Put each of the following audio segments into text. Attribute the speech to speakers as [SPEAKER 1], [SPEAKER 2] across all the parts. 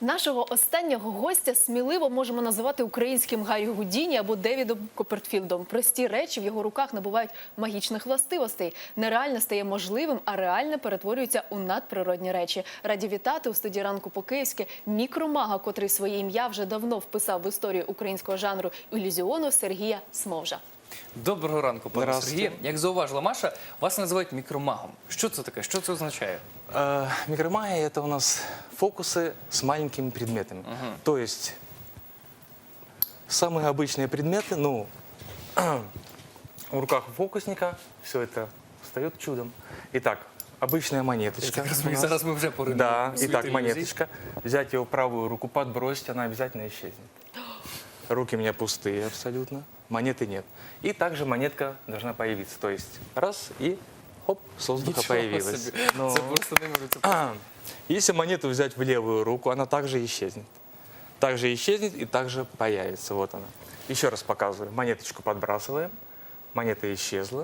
[SPEAKER 1] Нашого останнього гостя сміливо можемо називати українським Гаррі Гудіні або Девідом Копперфілдом. Прості речі в його руках набувають магічних властивостей. Нереальне стає можливим, а реальне перетворюється у надприродні речі. Раді вітати у студії «Ранку по-київськи» мікромага, котрий своє ім'я вже давно вписав в історію українського жанру ілюзіону, Сергія Смовжа.
[SPEAKER 2] Доброго ранку, пане Сергію. Як зауважила Маша, вас називають мікромагом. Що це таке? Що це означає?
[SPEAKER 3] Микромагия – это у нас фокусы с маленькими предметами. То есть самые обычные предметы, ну, в руках у фокусника все это встает чудом. Итак, обычная монеточка.
[SPEAKER 2] Зараз ми вже поринемо.
[SPEAKER 3] Да,
[SPEAKER 2] в світ
[SPEAKER 3] итак,
[SPEAKER 2] ілюзій.
[SPEAKER 3] монеточка. Взять ее в правую руку, подбросить, она обязательно исчезнет. Руки у меня пустые абсолютно, монеты нет. И также монетка должна появиться. То есть раз и хоп, с воздуха
[SPEAKER 2] Нічого
[SPEAKER 3] появилась.
[SPEAKER 2] собі.
[SPEAKER 3] Но-
[SPEAKER 2] Це просто не можу. Це
[SPEAKER 3] Если монету взять в левую руку, она также исчезнет. Также исчезнет и также появится. Вот она. Еще раз показываю. Монеточку подбрасываем. Монета исчезла.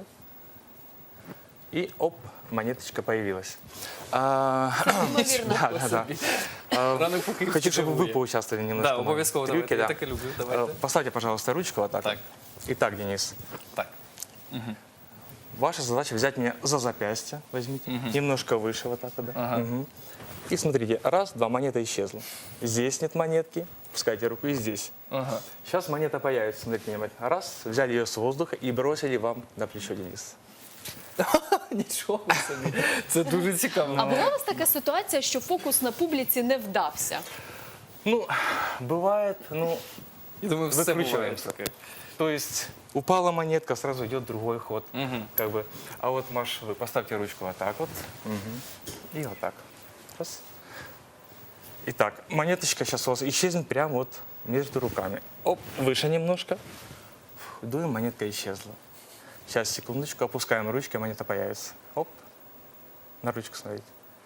[SPEAKER 3] И оп, монеточка появилась.
[SPEAKER 1] Неймовірно.
[SPEAKER 3] Да.
[SPEAKER 2] Ранок по-київськи
[SPEAKER 3] Хочу, чтобы вы
[SPEAKER 2] дивує.
[SPEAKER 3] поучаствовали немножко.
[SPEAKER 2] Да,
[SPEAKER 3] в моем
[SPEAKER 2] обов'язково.
[SPEAKER 3] трюке,
[SPEAKER 2] Давайте. Я
[SPEAKER 3] да.
[SPEAKER 2] так і люблю. Давайте.
[SPEAKER 3] Поставьте, пожалуйста, ручку вот так.
[SPEAKER 2] Так.
[SPEAKER 3] Вот. Итак, Денис,
[SPEAKER 2] Так.
[SPEAKER 3] ваша задача взять меня за запястье, возьмите, немножко выше вот так вот, да. Мгм. И смотрите, раз, два, монета исчезла. Здесь нет монетки, пускайте руку и здесь.
[SPEAKER 2] Ага.
[SPEAKER 3] Сейчас монета появится, смотрите внимательно. Раз, взяли ее с воздуха и бросили вам на плечо, Денис.
[SPEAKER 2] Нічого собі. Це дуже цікаво.
[SPEAKER 1] А була у вас така ситуація, що фокус на публіці не вдався?
[SPEAKER 3] Ну, бывает, ну,
[SPEAKER 2] Я думаю, все буває
[SPEAKER 3] выключаемся.
[SPEAKER 2] таке.
[SPEAKER 3] То есть упала монетка, сразу идет другой ход. Как бы. А вот, Маш, вы поставьте ручку вот так вот. И вот так. Раз. Итак, монеточка сейчас у вас исчезнет прямо вот между руками. Оп, выше немножко. Фух, дуем, монетка исчезла. Сейчас, секундочку, опускаем ручки, монета появится. Оп, на ручку смотрите.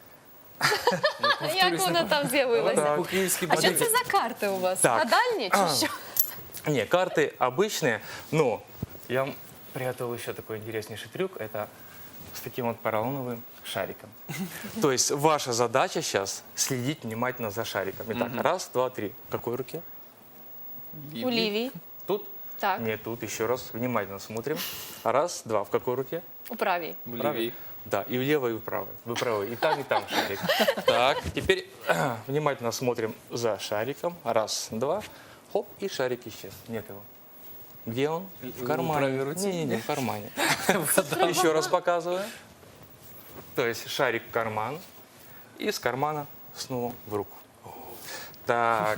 [SPEAKER 1] Як вона там з'явилася?
[SPEAKER 3] Так.
[SPEAKER 2] По-київськи
[SPEAKER 1] А що
[SPEAKER 2] бадить.
[SPEAKER 1] це за карти у вас?
[SPEAKER 3] Так.
[SPEAKER 1] Гадальні чи що?
[SPEAKER 3] Не, карты обычные, но я вам приготовил еще такой интереснейший трюк. Это с таким вот поролоновым шариком. То есть ваша задача сейчас следить внимательно за шариком. Итак, раз, два, три. В какой руке?
[SPEAKER 1] У лівій.
[SPEAKER 3] Тут?
[SPEAKER 1] Так.
[SPEAKER 3] Нет, тут. Еще раз. Внимательно смотрим. Раз, два. В какой руке?
[SPEAKER 1] У правій.
[SPEAKER 2] В лівій.
[SPEAKER 3] Да, и в левой, и в правой. Вы правы. И там шарик. Так, теперь внимательно смотрим за шариком. Раз, два. Хоп, и шарик исчез. Нет его. Где он? В кармане.
[SPEAKER 2] правой руке?
[SPEAKER 3] Не, в кармане. Еще раз показываю. То есть шарик в карман. И с кармана снова в руку. Так.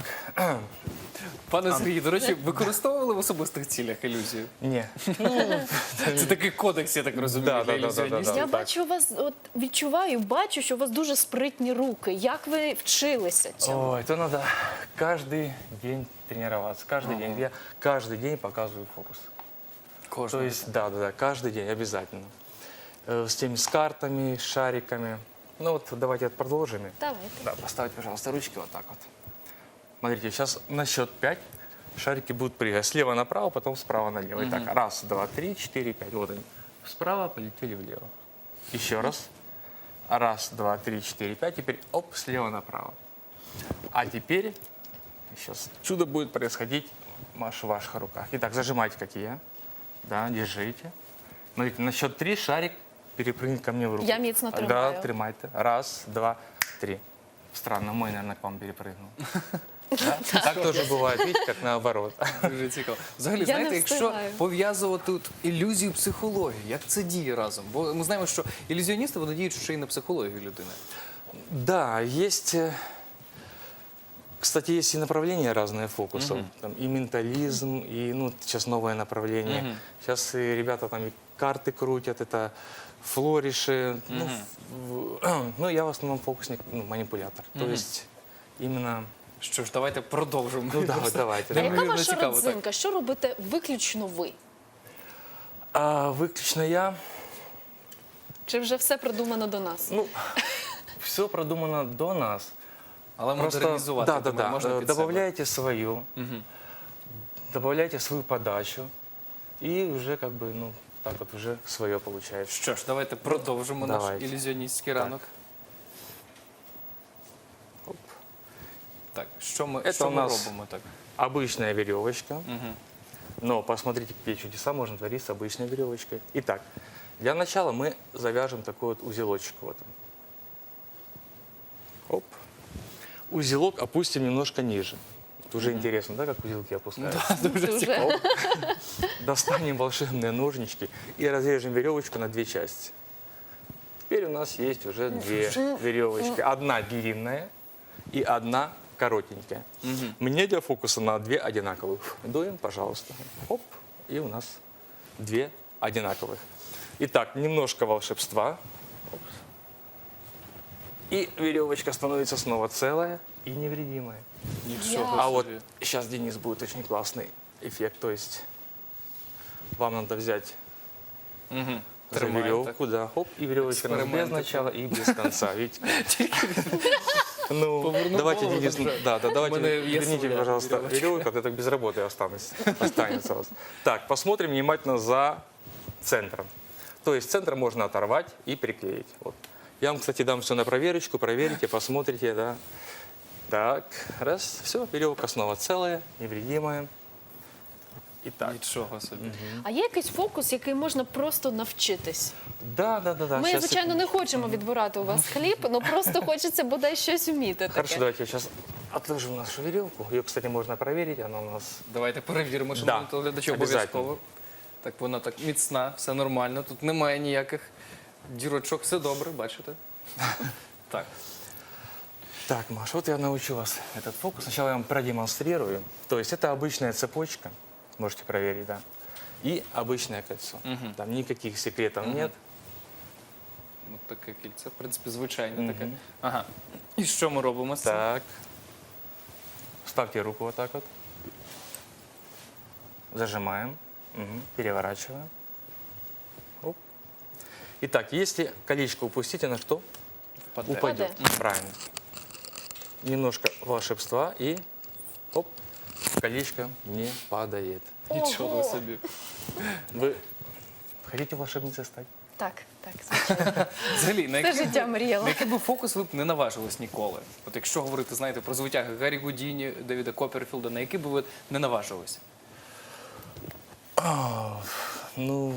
[SPEAKER 2] Пане Сергію, до речі, використовували в особистих цілях ілюзію?
[SPEAKER 3] Не.
[SPEAKER 2] Це такий кодекс, я так розумію,
[SPEAKER 3] Да,
[SPEAKER 2] для
[SPEAKER 3] да, да, да,
[SPEAKER 2] ілюзіоністів.
[SPEAKER 3] да.
[SPEAKER 1] Я
[SPEAKER 3] так.
[SPEAKER 1] бачу у вас, от відчуваю, бачу, що у вас дуже спритні руки. Як ви вчилися цьому?
[SPEAKER 3] Ой, это надо каждый день тренироваться. Каждый день. Я каждый день показываю фокус. То
[SPEAKER 2] Кожного.
[SPEAKER 3] есть, да, каждый день обязательно. С картами, с шариками. Ну вот давайте продолжим.
[SPEAKER 1] Давайте.
[SPEAKER 3] Да, поставьте, пожалуйста, ручки вот так вот. Смотрите, сейчас на счет 5 шарики будут прыгать слева направо, потом справа налево. Итак, раз, два, три, четыре, пять. Вот они. Справа полетели влево. Еще раз. Раз, два, три, четыре, пять. Теперь оп, слева направо. А теперь сейчас чудо будет происходить в ваших руках. Итак, зажимайте, как и я. Да, держите. Смотрите, на счет 3 шарик перепрыгнет ко мне в руку.
[SPEAKER 1] Я міцно тримаю.
[SPEAKER 3] Да, тримайте. Раз, два, три. Странно, мой, наверное, к вам перепрыгнул. Да? Так тоже бывает, видите, как наоборот.
[SPEAKER 2] Дуже цікаво. Взагалі,
[SPEAKER 1] Я
[SPEAKER 2] знаєте,
[SPEAKER 1] не
[SPEAKER 2] якщо
[SPEAKER 1] встигаю.
[SPEAKER 2] пов'язувати тут ілюзію психології, як це діє разом? Бо ми знаємо, що ілюзіоністи, вони діють ще й на психологію людини.
[SPEAKER 3] Да, есть, кстати, есть и направления разные фокусов. Там и ментализм, и, ну, сейчас новое направление. Сейчас и ребята там и карты крутят, это флориши. Ну, я в основном фокусник, ну, манипулятор. То есть именно...
[SPEAKER 2] Що ж, давайте продовжимо.
[SPEAKER 3] Ну, да, давайте.
[SPEAKER 1] А яка
[SPEAKER 2] Неймовірно
[SPEAKER 1] ваша
[SPEAKER 2] цікаво, так.
[SPEAKER 1] родзинка? Що робите виключно ви?
[SPEAKER 3] Выключно я.
[SPEAKER 1] Чи вже все продумано до нас?
[SPEAKER 3] Ну, все продумано до нас.
[SPEAKER 2] Але
[SPEAKER 3] Просто,
[SPEAKER 2] модернізувати,
[SPEAKER 3] да,
[SPEAKER 2] думаю, можна під себе.
[SPEAKER 3] добавляйте свою, добавляйте свою подачу, и уже как бы, ну, так вот уже свое получается.
[SPEAKER 2] Що ж, давайте продовжимо наш
[SPEAKER 3] Давайте.
[SPEAKER 2] ілюзіоністський ранок.
[SPEAKER 3] Оп.
[SPEAKER 2] Так, що ми,
[SPEAKER 3] Це
[SPEAKER 2] що
[SPEAKER 3] у
[SPEAKER 2] ми
[SPEAKER 3] нас-
[SPEAKER 2] робимо так?
[SPEAKER 3] Обычная веревочка. Но посмотрите, какие чудеса можно творить с обычной веревочкой. Итак, для начала мы завяжем такой вот узелочек. Вот он. Оп. Узелок опустим немножко ниже. Это уже интересно, да, как узелки опускаются?
[SPEAKER 1] Дуже.
[SPEAKER 3] Достанем волшебные ножнички и разрежем веревочку на две части. Теперь у нас есть уже две веревочки. Одна длинная и одна коротенькая. Мне для фокуса надо две одинаковых. Дуем, пожалуйста. Оп, и у нас две одинаковых. Итак, немножко волшебства. Оп. И веревочка становится снова целая и невредимая.
[SPEAKER 2] Нічого
[SPEAKER 3] А вот
[SPEAKER 2] собі.
[SPEAKER 3] сейчас, Денис, будет очень классный эффект. То есть вам надо взять
[SPEAKER 2] Мгм.
[SPEAKER 3] за
[SPEAKER 2] Тримаємо,
[SPEAKER 3] веревку, да, хоп, и веревочка без
[SPEAKER 2] Эксперимент
[SPEAKER 3] начала и без конца. Видите? Ну,
[SPEAKER 2] Повернул
[SPEAKER 3] давайте,
[SPEAKER 2] голову,
[SPEAKER 3] Денис,
[SPEAKER 2] так же.
[SPEAKER 3] да, давайте
[SPEAKER 2] У меня есть
[SPEAKER 3] верните,
[SPEAKER 2] своя
[SPEAKER 3] пожалуйста,
[SPEAKER 2] веревочка.
[SPEAKER 3] веревку, а то так без работы останется у вас. Так, посмотрим внимательно за центром. То есть центр можно оторвать и приклеить. Вот. Я вам, кстати, дам все на проверочку, проверите, посмотрите, да. Так, раз, все, веревка снова целая, невредимая. Итак,
[SPEAKER 2] Нічого собі.
[SPEAKER 1] А є якийсь фокус, який можна просто навчитись?
[SPEAKER 3] да.
[SPEAKER 1] Ми,
[SPEAKER 3] щас
[SPEAKER 1] звичайно, не хочемо відбирати у вас хліб, але просто хочеться бодай щось вміти
[SPEAKER 3] Хорошо,
[SPEAKER 1] таке.
[SPEAKER 3] давайте я сейчас отложим нашу веревку. Ее, кстати, можно проверить. Она у нас...
[SPEAKER 2] Давайте перевіримо, що
[SPEAKER 3] Да,
[SPEAKER 2] ми глядачі
[SPEAKER 3] обов'язково.
[SPEAKER 2] обов'язково. Так вона так міцна, все нормально. Тут немає ніяких дірочок, все добре, бачите? Так.
[SPEAKER 3] Так, Маш, вот я научу вас этот фокус. Сначала я вам продемонстрирую. То есть это обычная цепочка, можете проверить, да, и обычное кольцо. Там никаких секретов нет.
[SPEAKER 2] Ось таке кільце, в принципі, звичайне таке. Ага. І що ми робимо з цим?
[SPEAKER 3] Так. Ставьте руку вот так вот. Зажимаем. Мгм. Переворачиваем. Оп. Итак, если колечко упустите, на что?
[SPEAKER 2] Впаде.
[SPEAKER 3] Упадет. Правильно. Немножко волшебства и оп, колечко не падает.
[SPEAKER 2] Нічого
[SPEAKER 1] Ого.
[SPEAKER 2] собі.
[SPEAKER 3] Вы хотите волшебницей стать?
[SPEAKER 1] Так, звичайно.
[SPEAKER 2] Взагалі, на
[SPEAKER 1] Все
[SPEAKER 2] який,
[SPEAKER 1] життя
[SPEAKER 2] би,
[SPEAKER 1] мріяла.
[SPEAKER 2] на який би фокус ви б не наважились ніколи? От якщо говорити, знаєте, про звитяги Гаррі Гудіні, Девіда Копперфілда, на який би ви не наважились?
[SPEAKER 3] Ну,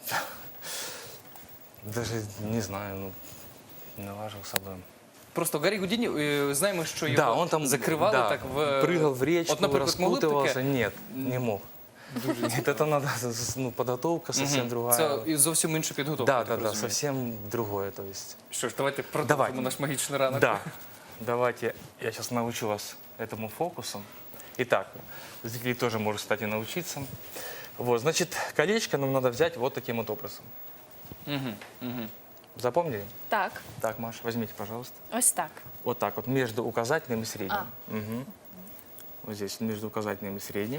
[SPEAKER 3] даже не знаю, ну, наважился бы.
[SPEAKER 2] Просто Гаррі Гудіні, знаємо, що його
[SPEAKER 3] Да, он там
[SPEAKER 2] закривали
[SPEAKER 3] да,
[SPEAKER 2] так в...
[SPEAKER 3] прыгал в речку,
[SPEAKER 2] От, наприклад, могли б
[SPEAKER 3] распутывался.
[SPEAKER 2] таке?
[SPEAKER 3] Нет, не мог. Нет, это надо, ну, подготовка совсем другая.
[SPEAKER 2] Це і зовсім інша підготовка.
[SPEAKER 3] Да,
[SPEAKER 2] я так
[SPEAKER 3] да,
[SPEAKER 2] розумію.
[SPEAKER 3] совсем другое, то есть.
[SPEAKER 2] Що ж, давайте продовжимо
[SPEAKER 3] Давайте.
[SPEAKER 2] наш магічний ранок.
[SPEAKER 3] Да, давайте я сейчас научу вас этому фокусу. Итак, зрители тоже могут, кстати, научиться. Вот, значит, колечко нам надо взять вот таким вот образом. Запомнили?
[SPEAKER 1] Так,
[SPEAKER 3] Так, Маша, возьмите, пожалуйста.
[SPEAKER 1] ось так.
[SPEAKER 3] Вот так вот, между указательным и средним.
[SPEAKER 1] А.
[SPEAKER 3] Мгм. Вот здесь, между указательным и средним.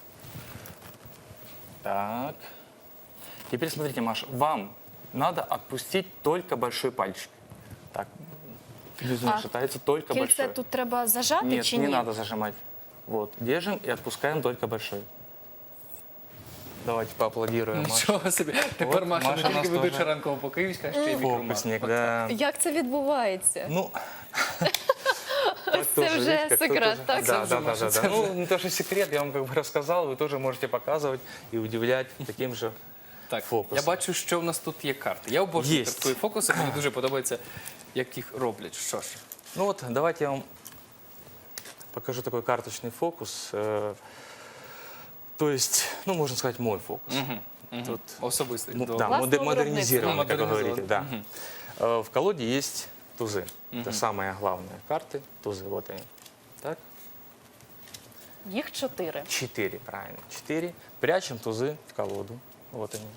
[SPEAKER 3] Так. Теперь смотрите, Маша, вам надо отпустить только большой пальчик. Так. Иллюзия
[SPEAKER 1] А
[SPEAKER 3] шатается только
[SPEAKER 1] Кільце
[SPEAKER 3] большой.
[SPEAKER 1] тут треба зажати
[SPEAKER 3] Нет,
[SPEAKER 1] чи
[SPEAKER 3] не
[SPEAKER 1] ні?
[SPEAKER 3] надо зажимать. Вот, держим и отпускаем только большой. Давайте поаплодируем, Маша.
[SPEAKER 2] Нічого собі. Тепер
[SPEAKER 3] От,
[SPEAKER 2] Маша не
[SPEAKER 3] Маша
[SPEAKER 2] тільки
[SPEAKER 3] нас
[SPEAKER 2] ведуча
[SPEAKER 3] теж-
[SPEAKER 2] ранкового по київська, а ще й мікроман.
[SPEAKER 3] Фокусник, да.
[SPEAKER 1] Як це відбувається?
[SPEAKER 3] Ну, так
[SPEAKER 1] це
[SPEAKER 3] тоже,
[SPEAKER 1] вже
[SPEAKER 3] видите, как
[SPEAKER 1] секрет,
[SPEAKER 3] тоже-
[SPEAKER 1] так?
[SPEAKER 3] Да,
[SPEAKER 2] Це вже
[SPEAKER 3] да,
[SPEAKER 2] Маша,
[SPEAKER 3] да,
[SPEAKER 2] це
[SPEAKER 3] да.
[SPEAKER 2] вже.
[SPEAKER 3] Ну, не то, что секрет, я вам как бы рассказал, вы тоже можете показывать и удивлять таким же.
[SPEAKER 2] Так,
[SPEAKER 3] Фокусом.
[SPEAKER 2] я бачу, що в нас тут є карти. Я обожнюю
[SPEAKER 3] Єсть.
[SPEAKER 2] карткові фокуси, мені дуже подобається, як їх роблять. Що ж,
[SPEAKER 3] Ну вот, давайте я вам покажу такой карточный фокус. То есть, ну, можно сказать, мой фокус. Тут,
[SPEAKER 2] особистий.
[SPEAKER 3] да,
[SPEAKER 2] Добре.
[SPEAKER 1] Властного
[SPEAKER 3] модернизированный, как вы
[SPEAKER 2] виробництва.
[SPEAKER 3] говорите, да. В колоде есть тузы. Это самые главные карты, тузы, вот они. Так,
[SPEAKER 1] Їх 4.
[SPEAKER 3] 4, правильно, 4. Прячем тузы в колоду, вот они.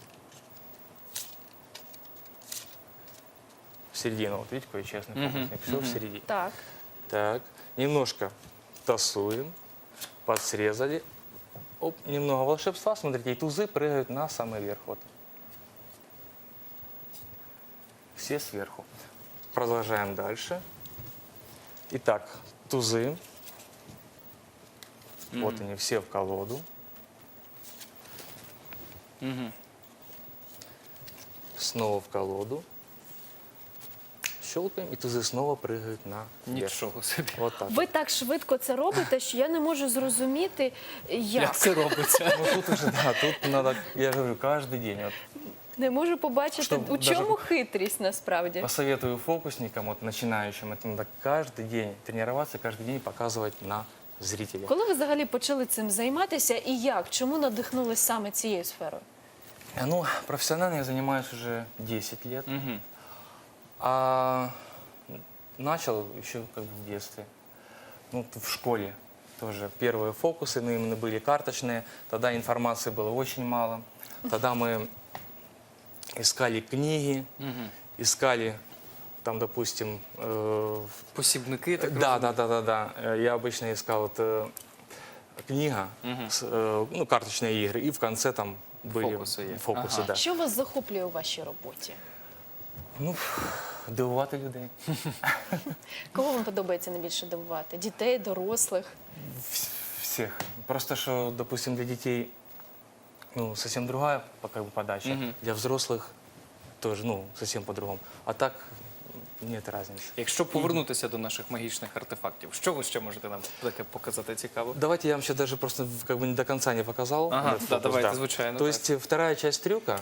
[SPEAKER 3] В середину, вот видите, какой честный фокусник, все в середине.
[SPEAKER 1] Так.
[SPEAKER 3] Так, немножко тасуем, подсрезали. Оп, немного волшебства, смотрите, и тузы прыгают на самый верх. Вот. Все сверху. Продолжаем дальше. Итак, тузы. Вот они, все в колоду. Снова в колоду. щелкаем, и тузы снова прыгают на
[SPEAKER 2] Нічого собі.
[SPEAKER 3] Вот так.
[SPEAKER 1] Ви так швидко це робите, що я не можу зрозуміти,
[SPEAKER 2] Як
[SPEAKER 1] як.
[SPEAKER 2] це робиться?
[SPEAKER 3] Ну тут уже, да, тут надо, я говорю, каждый день. Вот,
[SPEAKER 1] Не можу побачити,
[SPEAKER 3] Щоб
[SPEAKER 1] у
[SPEAKER 3] даже-
[SPEAKER 1] чому хитрість насправді.
[SPEAKER 3] посоветую фокусникам, вот, начинающим, это надо каждый день тренироваться, каждый день показывать на зрителя.
[SPEAKER 1] Коли ви взагалі почали цим займатися і як? Чому надихнулись саме цією сферою?
[SPEAKER 3] Ну, профессионально я занимаюсь уже 10 лет.
[SPEAKER 2] Мгм.
[SPEAKER 3] А начал еще как бы в детстве. Ну, в школе тоже первые фокусы, но именно были карточные. Тогда информации было очень мало. Тогда мы искали книги,
[SPEAKER 2] Мгм.
[SPEAKER 3] искали там, допустим,
[SPEAKER 2] Посібники, так
[SPEAKER 3] да,
[SPEAKER 2] розумію?
[SPEAKER 3] да. Я обычно искал вот, книга,
[SPEAKER 2] Мгм.
[SPEAKER 3] ну, карточные игры, и в конце там были
[SPEAKER 2] Фокусы есть.
[SPEAKER 3] фокусы,
[SPEAKER 2] Ага.
[SPEAKER 3] да.
[SPEAKER 1] Що вас захоплює у вашій роботі?
[SPEAKER 3] Ну, дивувати людей.
[SPEAKER 1] Кого вам подобається найбільше дивувати? Дітей, дорослих?
[SPEAKER 3] Всех. Просто что, допустим, для детей ну, совсем другая как бы, подача.
[SPEAKER 2] Мгм.
[SPEAKER 3] Для взрослых тоже, ну, совсем по-другому. А так нет разницы.
[SPEAKER 2] Якщо повернутися до наших магічних артефактів, що ви ще можете нам таке показати цікаво?
[SPEAKER 3] Давайте я вам сейчас даже просто как бы не до конца не показал.
[SPEAKER 2] Ага,
[SPEAKER 3] этот
[SPEAKER 2] да,
[SPEAKER 3] фокус,
[SPEAKER 2] давайте, звучайно,
[SPEAKER 3] То
[SPEAKER 2] так.
[SPEAKER 3] есть вторая часть трюка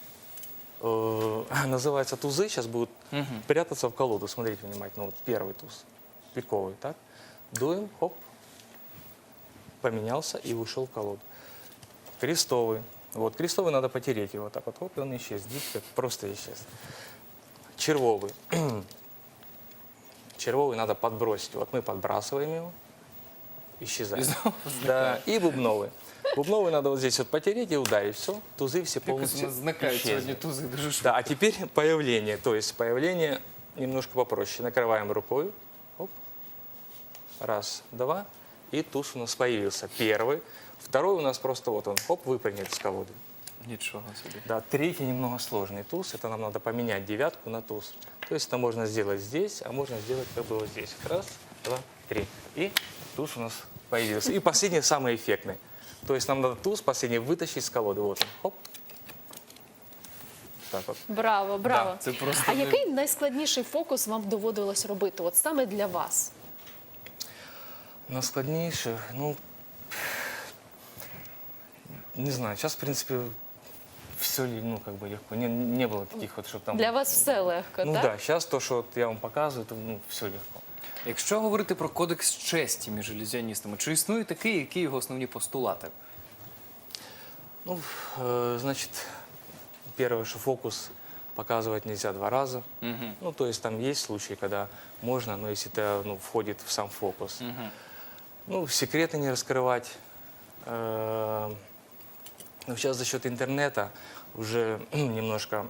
[SPEAKER 3] называется тузы. Сейчас будут
[SPEAKER 2] Мгм.
[SPEAKER 3] прятаться в колоду. Смотрите внимательно. Вот первый туз. Пиковый, так? Дуем, хоп. Поменялся и ушел в колоду. Крестовый. Вот, крестовый надо потереть его так вот. Хоп, и он исчез. Видите, как просто исчез. Червовый. Червовый надо подбросить. Вот мы подбрасываем его. Исчезает.
[SPEAKER 2] І знову
[SPEAKER 3] Да, и бубновый. Бубновый надо вот здесь вот потереть и ударить. Все, тузы все
[SPEAKER 2] Якось у
[SPEAKER 3] полностью
[SPEAKER 2] нас зникають
[SPEAKER 3] исчезли.
[SPEAKER 2] сьогодні тузи дуже швидко.
[SPEAKER 3] Да, а теперь появление. То есть появление немножко попроще. Накрываем рукой. Оп. Раз, два. И туз у нас появился. Первый. Второй у нас просто вот он. Хоп, выпрыгнет с колоды.
[SPEAKER 2] Нічого собі.
[SPEAKER 3] Да, третий немного сложный туз. Это нам надо поменять девятку на туз. То есть это можно сделать здесь, а можно сделать как бы вот здесь. Раз, два, три. И туз у нас появился. И последний самый эффектный. То есть нам надо туз последний вытащить с колоды. Вот он. Хоп. Так вот.
[SPEAKER 1] Браво, браво.
[SPEAKER 2] Да, це просто
[SPEAKER 1] А
[SPEAKER 2] не-
[SPEAKER 1] який найскладніший фокус вам доводилось робити? От саме для вас?
[SPEAKER 3] На складнейших, ну, не знаю, сейчас, в принципе, все, ну, как бы легко. Не было таких вот, чтобы там...
[SPEAKER 1] Для вас все легко,
[SPEAKER 3] Ну
[SPEAKER 1] так?
[SPEAKER 3] да, сейчас то, что вот я вам показываю, то, ну, все легко.
[SPEAKER 2] Якщо говорити про кодекс честі між ілюзіоністами, чи існує такий, які його основні постулати?
[SPEAKER 3] Ну, значит, первое, что фокус показывать нельзя 2 раза.
[SPEAKER 2] Мгм.
[SPEAKER 3] Ну, то есть там есть случаи, когда можно, но если это, ну, входит в сам фокус.
[SPEAKER 2] Мгм.
[SPEAKER 3] Ну, секреты не раскрывать. Ну, сейчас за счет интернета уже немножко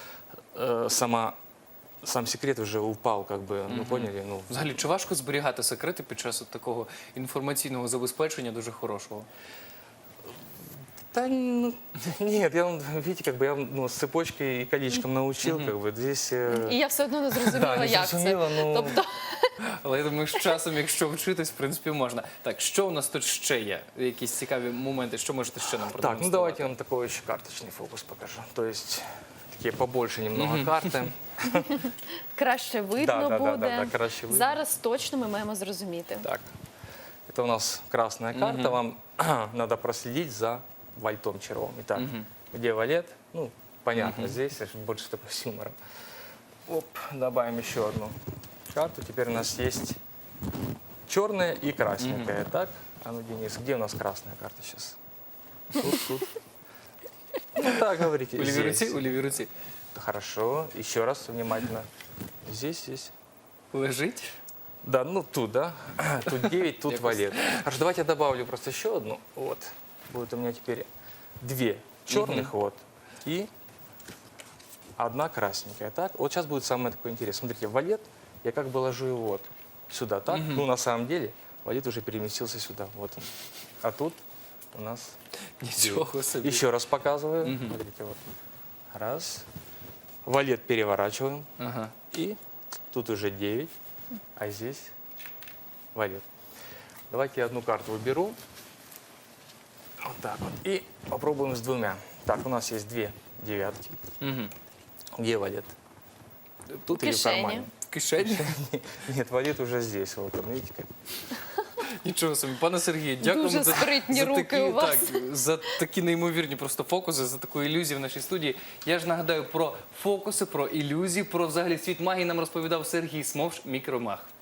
[SPEAKER 3] сам секрет уже упал, как бы, ну, поняли? Ну,
[SPEAKER 2] Взагалі, чи важко зберігати секрети під час от такого інформаційного забезпечення дуже хорошого?
[SPEAKER 3] да, ну, нет, я, видите, как бы я ну, с цепочкой и колечком научил, как бы, здесь...
[SPEAKER 1] І я все одно не зрозуміла,
[SPEAKER 3] Да, не
[SPEAKER 1] як
[SPEAKER 3] зрозуміла,
[SPEAKER 1] це.
[SPEAKER 3] ну.
[SPEAKER 1] Тобто,
[SPEAKER 2] Але я думаю, з часом, якщо вчитись, в принципі, можна. Так, що у нас тут ще є? Якісь цікаві моменти, що можете ще нам
[SPEAKER 3] Так,
[SPEAKER 2] продемонструвати?
[SPEAKER 3] ну давайте я вам такой еще карточный фокус покажу. То есть такие побольше немного карты.
[SPEAKER 1] краще видно
[SPEAKER 3] Да,
[SPEAKER 1] буде.
[SPEAKER 3] краще видно.
[SPEAKER 1] Зараз точно ми маємо зрозуміти.
[SPEAKER 3] Так, это у нас красная карта. Вам надо проследить за вальтом червом. Итак, где валет? Ну, понятно, здесь больше такой с юмором. Оп, добавим еще одну карту. Теперь у нас есть черная и красненькая. Так, а ну, Денис, где у нас красная карта сейчас? Тут. Ну так, говорите.
[SPEAKER 2] У лівій руці?
[SPEAKER 3] Здесь.
[SPEAKER 2] У лівій руці.
[SPEAKER 3] Хорошо, еще раз внимательно. Здесь.
[SPEAKER 2] Лежить?
[SPEAKER 3] Да, ну тут, да. Тут 9, тут
[SPEAKER 2] Якось.
[SPEAKER 3] валет. Хорошо, давайте я добавлю просто еще одну. Вот. Будет у меня теперь 2 черных, вот, и 1 красненькая. Так, вот сейчас будет самое такое интересное. Смотрите, валет, я как бы ложу его вот сюда, так. Ну, на самом деле, валет уже переместился сюда, вот он. А тут у нас...
[SPEAKER 2] Нічого собі.
[SPEAKER 3] Еще раз показываю. Смотрите, вот. Раз. Валет переворачиваем.
[SPEAKER 2] Ага.
[SPEAKER 3] И тут уже 9, а здесь валет. Давайте я одну карту уберу. Вот так вот. И попробуем с 2. Так, у нас есть 2 девятки.
[SPEAKER 2] Угу.
[SPEAKER 3] Где валет? Тут
[SPEAKER 1] В
[SPEAKER 3] или в
[SPEAKER 1] кишені.
[SPEAKER 3] кармане?
[SPEAKER 2] кишені.
[SPEAKER 3] Нет, валит уже здесь. Вот он, видите, как.
[SPEAKER 2] Нічого собі. Пане Сергію, дякуємо
[SPEAKER 1] Дуже спритні руки
[SPEAKER 2] такі,
[SPEAKER 1] у вас.
[SPEAKER 2] Так, за такі неймовірні просто фокуси, за таку ілюзію в нашій студії. Я ж нагадаю про фокуси, про ілюзії, про взагалі світ магії нам розповідав Сергій Смовж, мікромаг.